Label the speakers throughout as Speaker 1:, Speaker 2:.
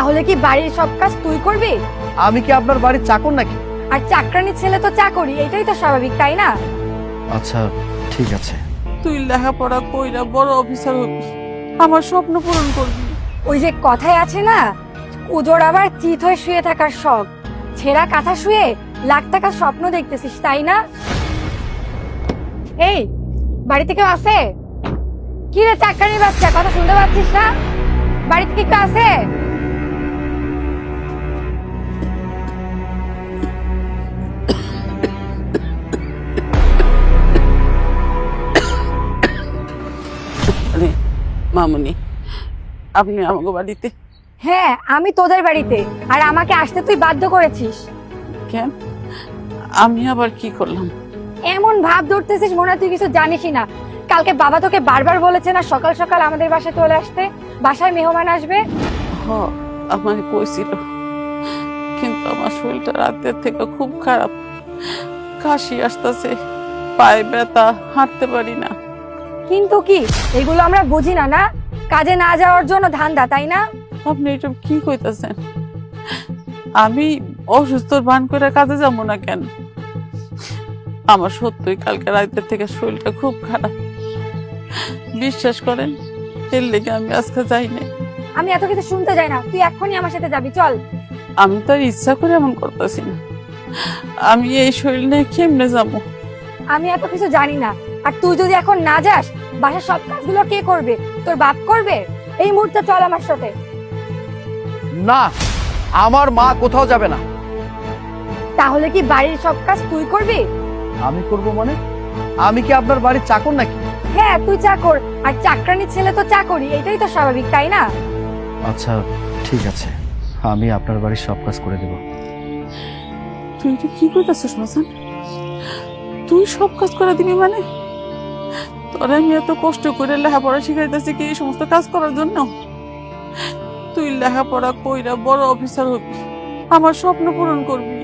Speaker 1: তাহলে কি বাড়ির সব কাজ তুই করবি?
Speaker 2: আমি কি আপনার বাড়ির চাকর নাকি?
Speaker 1: আর চাকরানি ছেলে তো চাকরি, এটাই তো স্বাভাবিক, তাই না?
Speaker 2: আচ্ছা ঠিক আছে।
Speaker 3: তুই লেখাপড়া কইরা বড় অফিসার হবি, আমার স্বপ্ন পূরণ করবি।
Speaker 1: ওই যে কথায় আছে না, উজোর আবার চিত হয়ে শুয়ে থাকার শখ, ছেঁড়া কাঁথা শুয়ে লাখ টাকার স্বপ্ন দেখতেছিস, তাই না? এই বাড়িতে কেউ আছে? কি রে চাকরানির বাচ্চা, কথা শুনতে পাচ্ছিস না? বাড়িতে কি কেউ আছে?
Speaker 3: আরে মামুনি, আপনি আমাকে বাড়িতে?
Speaker 1: হ্যাঁ, আমি তোদের বাড়িতে, আর আমাকে আসতে তুই বাধ্য করেছিস।
Speaker 3: কেন? আমি আবার কি করলাম?
Speaker 1: এমন ভাব ধরতেছিস মনে হয় তুই কিছু জানিসই না। কালকে বাবা তোকে বারবার বলেছে না সকাল সকাল আমাদের বাসায় চলে আসতে, বাসায় মেহমান আসবে।
Speaker 3: হ, আমার কইছিল, কিন্তু আমার শরীরটা রাতের থেকে খুব খারাপ, কাশি আসতেছে, পায়ে ব্যথা, হাঁটতে পারি না।
Speaker 1: কিন্তু কি এগুলো আমরা বুঝি না? না কাজে না যাওয়ার জন্য ধান্দা, তাই না?
Speaker 3: আপনি এটা কি কইতাছেন? আমি অসুস্থর ভান করে কাজে যাবো না কেন? আমার সত্যই কালকে রাতের থেকে শরীরটা খুব খারাপ, বিশ্বাস করেন, এর লেগে আমি আজকে যাই না।
Speaker 1: আমি এত কিছু শুনতে যাই না, তুই এখনই আমার সাথে যাবি, চল।
Speaker 3: আমি তো আর ইচ্ছা করে এমন করতেছি না, আমি এই শরীর নিয়ে কেমনে যাবো?
Speaker 1: আমি এত কিছু জানি না, আর তুই যদি এখন না যাস বাসার সব কাজগুলো কে করবে? তোর বাপ করবে? এই মুহূর্তে চল আমার সাথে।
Speaker 2: না, আমার মা কোথাও যাবে না।
Speaker 1: তাহলে কি বাড়ির সব কাজ তুই করবি?
Speaker 2: আমি করব মানে? আমি কি আপনার বাড়ির চাকর নাকি?
Speaker 1: হ্যাঁ, তুই চাকর, আর চাকরানি ছেলে তো চাকরি, এটাই তো স্বাভাবিক, তাই না?
Speaker 2: আচ্ছা ঠিক আছে, আমি আপনার বাড়ির সব কাজ করে দেব।
Speaker 3: তুই এটা কি কইতাছিস মাসান? তুই সব কাজ করে দিবি মানে? তোর আমি এত কষ্ট করে লেখাপড়া শিখাইতেছি কি এই সমস্ত কাজ করার জন্য? তুই লেখাপড়া কইরা বড় অফিসার হবি, আমার স্বপ্ন পূরণ করবি।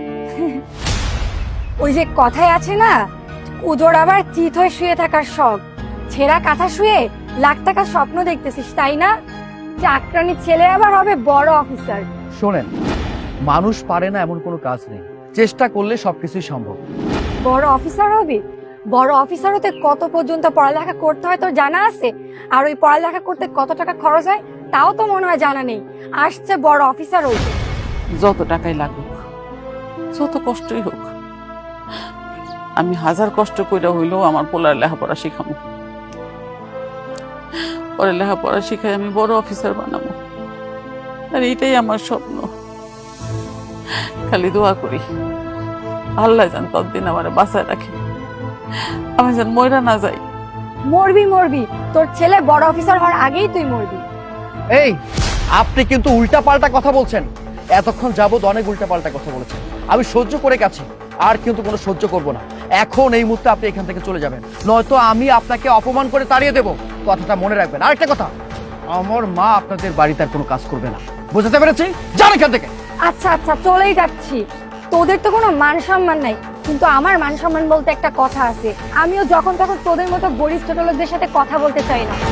Speaker 1: ওই যে কথায় আছে না, উজোর আবার চিত হয়ে শুয়ে থাকার শখ, ছেঁড়া কাঁথা শুয়ে লাখ টাকার স্বপ্ন দেখতেছিস, তাই না? চাকরানি ছেলে আবার হবে বড় অফিসার।
Speaker 2: শোনেন, মানুষ পারে না এমন কোনো কাজ নেই, চেষ্টা করলে সবকিছুই সম্ভব।
Speaker 1: বড় অফিসার হবি? বড় অফিসার হতে কত পর্যন্ত পড়ালেখা করতে হয় তোর জানা আছে? আর ওই পড়ালেখা করতে কত টাকা খরচ হয় তাও তো মনে হয় জানা নেই। আসছে বড় অফিসার হইতে।
Speaker 3: যত টাকাই লাগুক, যত কষ্টই হোক, আমি হাজার কষ্ট কইরা হইলেও আমার পোলার লেখাপড়া শিখাবো। পরে লেখাপড়া শিখাই আমি বড় অফিসার বানাবো, আর এইটাই আমার স্বপ্ন। খালি দোয়া করি আল্লাহ যেন ততদিন আমার বাঁচায় রাখে, আমি যেন মইরা না যাই।
Speaker 1: মরবি মরবি, তোর ছেলে বড় অফিসার হওয়ার আগেই তুই মরবি।
Speaker 2: এই, আপনি কিন্তু উল্টা পাল্টা কথা বলছেন। এতক্ষণ যাবত অনেক উল্টা পাল্টা কথা বলেছেন, আমি সহ্য করে গেছি, আর কিন্তু কোনো সহ্য করব না। এখন এই মুহূর্তে আপনি এখান থেকে চলে যাবেন, নয়তো আমি আপনাকে অপমান করে তাড়িয়ে দেব। কথাটা মনে রাখবেন। আরেকটা কথা, আমার মা আপনাদের বাড়িতে আর কোনো কাজ করবে না, বুঝতে পেরেছি? যান এখান থেকে।
Speaker 1: আচ্ছা আচ্ছা, চলেই যাচ্ছি। তোদের তো কোনো মান সম্মান নাই, কিন্তু আমার মান সম্মান বলতে একটা কথা আছে। আমিও যখন তখন তোদের মতো গরিব ছোট লোকদের সাথে কথা বলতে চাই না।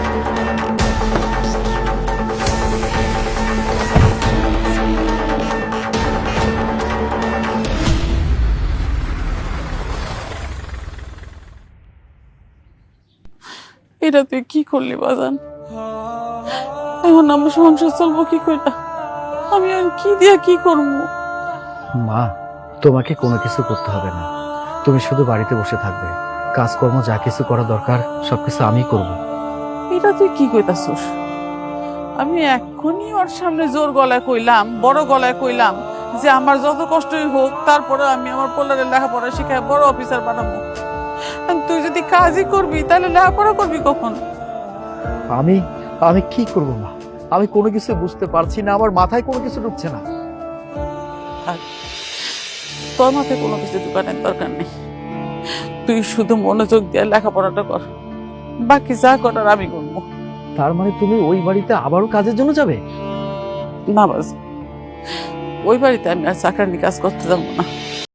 Speaker 3: এটা তুই কি করলি বাজান? এখন আমার সংসার চলবো কি কইরা? আমি আর কি দিয়া কি করবো?
Speaker 2: মা, তোমাকে কোনো কিছু করতে হবে না, তুমি শুধু বাড়িতে বসে থাকবে। কাজকর্ম যা কিছু করা দরকার সবকিছু আমি করব।
Speaker 3: এটা তুই কি কইতাছস? আমি এখনই ওর সামনে জোর গলায় কইলাম, বড় গলায় কইলাম যে আমার যত কষ্টই হোক তারপরে আমি আমার পোলারে লেখাপড়া শিখায় বড় অফিসার বানাবো। আর তুই যদি কাজই করবি তাহলে লেখাপড়া করবি কখন?
Speaker 2: আমি আমি কি করব মা? আমি কোনো কিছু বুঝতে পারছি না, আমার মাথায় কোনো কিছু ঢুকছে না।
Speaker 3: আর তোর মাথায় কোনো কিছু দোকানের দরকার নেই, তুই শুধু মনোযোগ দিয়ে লেখাপড়াটা কর, বাকি যা করার আমি করবো।
Speaker 2: তার মানে তুমি ওই বাড়িতে আবারও কাজের জন্য যাবে?
Speaker 3: না বাস, ওই বাড়িতে আমি আর চাকরানি কাজ করতে যাবো না।